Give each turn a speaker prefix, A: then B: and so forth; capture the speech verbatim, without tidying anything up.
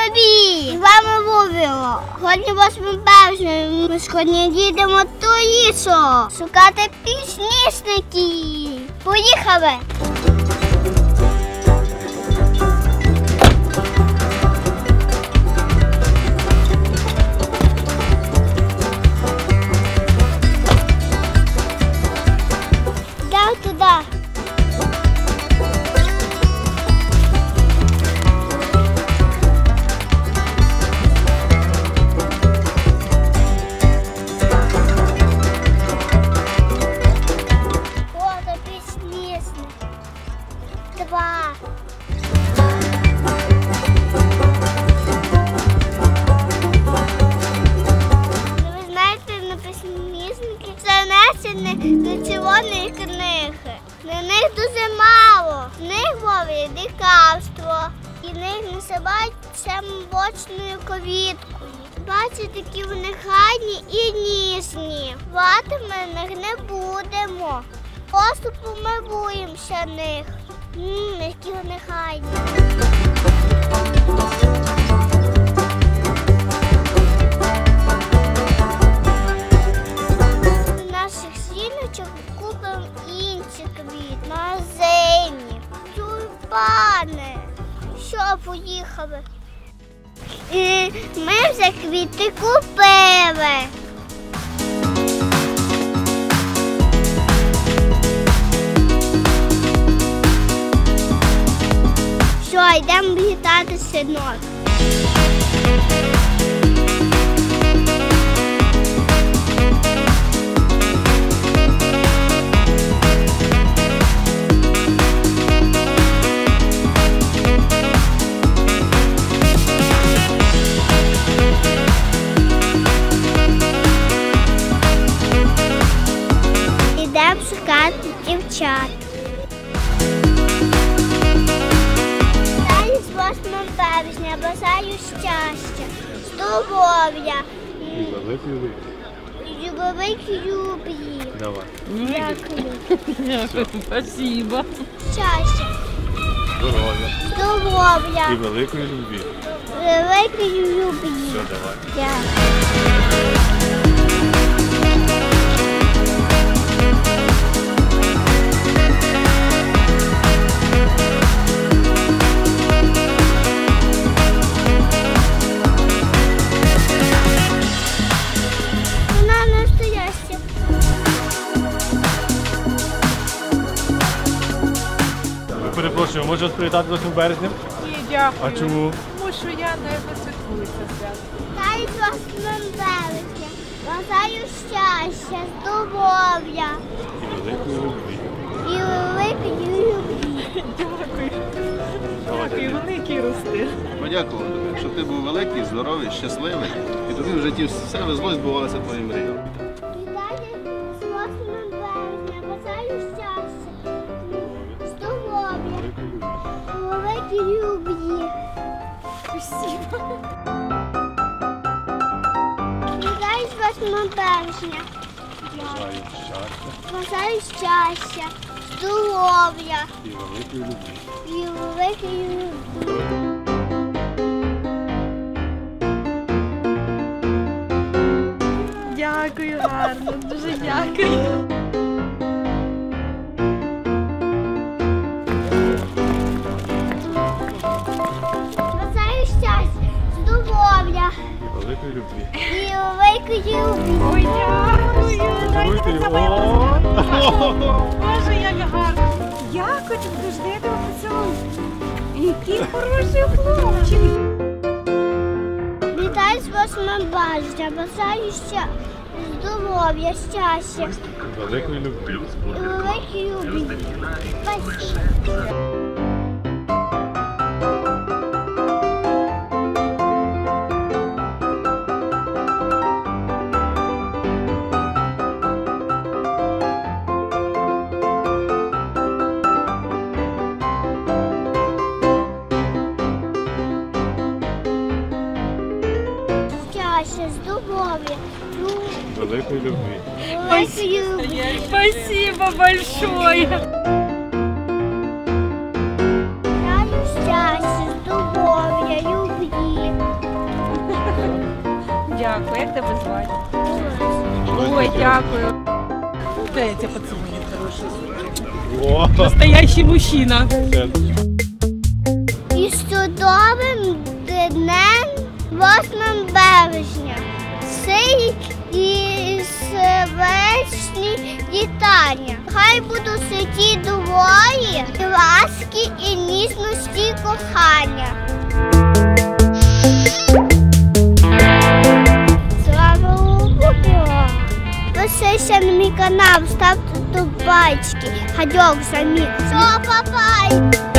A: тобі! З вами Вовіло. Сьогодні восьме березня. Ми сьогодні їдемо до лісу шукати підсніжників. Поїхали! Йдемо туди. Два. Ну, ви знаєте, на підсніжники це внесені до червоної книги. На них дуже мало. В них ловлять дикавство. І них називають семибочною квіткою. Бачите, які вони гарні і ніжні. Плати ми на них не будемо. Просто помилуємося них. Ммм, які вони гарні. До наших сіночок купимо інші квіти. Магазині, тюльпани. Що, поїхали? І ми вже квіти купили. Що, йдемо вітати синок. Йдемо шукати дівчат. восьме березня, бажаю щастя, здоров'я
B: і великої
A: і великої любві.
B: Давай.
A: Дякую.
C: Дякую, спасибо.
A: Щастя,
B: Здоров'я
A: здоров'я
B: і великої любві.
A: Великої любві.
B: Все, давай.
A: Дякую.
B: Перепрошую, можу вас привітати восьмим березням?
C: Ні, дякую.
B: А чому?
C: Тому що я не святкую це свято.
A: Вітаю з восьмим березня. Бажаю щастя, здоров'я
B: І великої любві.
A: і великої любві.
C: Дякую. Дякую, великий рости.
D: Подякував тобі, щоб ти був великий, здоровий, щасливий. І тобі в житті все везло і збувалося твої мрії.
A: Вітаю з восьмим березня. Бажаю щастя, здоров'я, великій любві.
C: Спасибо.
A: Вітаю з восьмим березня.
B: Бажаю щастя
A: Бажаю щастя, здоров'я
B: і великої любві.
A: і великої любві.
C: Дякую, гарно, дуже дякую.
A: Бажаю щастя, здоров'я
B: І великої любві.
A: і великої любві.
C: Ой, дякую. Дайте
B: Цілуйте
C: за мене
B: його.
C: поцілунок. Боже, як гарно. Дякую, дуже я тебе поцілую. Який хороший хлопчик.
A: Вітаю з восьмим березня. Бажаю щастя, здоров'я, щастя
B: І великої любві.
A: і великої любві. Спасибо. Щастя, здоров'я,
B: Великої любві.
A: великої любві.
C: Спасибо большое.
A: Бажаю щастя, здоров'я, любві.
C: Ой, дякую. Дай я тебя поцелую, хороший.
B: О,
C: Настоящий мужчина.
B: це
A: І з чудовим днем восьмого березня. Сей і вечні вітання. Хай будуть святі двоє, ласки і ніжності кохання. Слава Богу! Підписуйся на мій канал, ставте тут пальчики. Гадьок самі. Все, папай!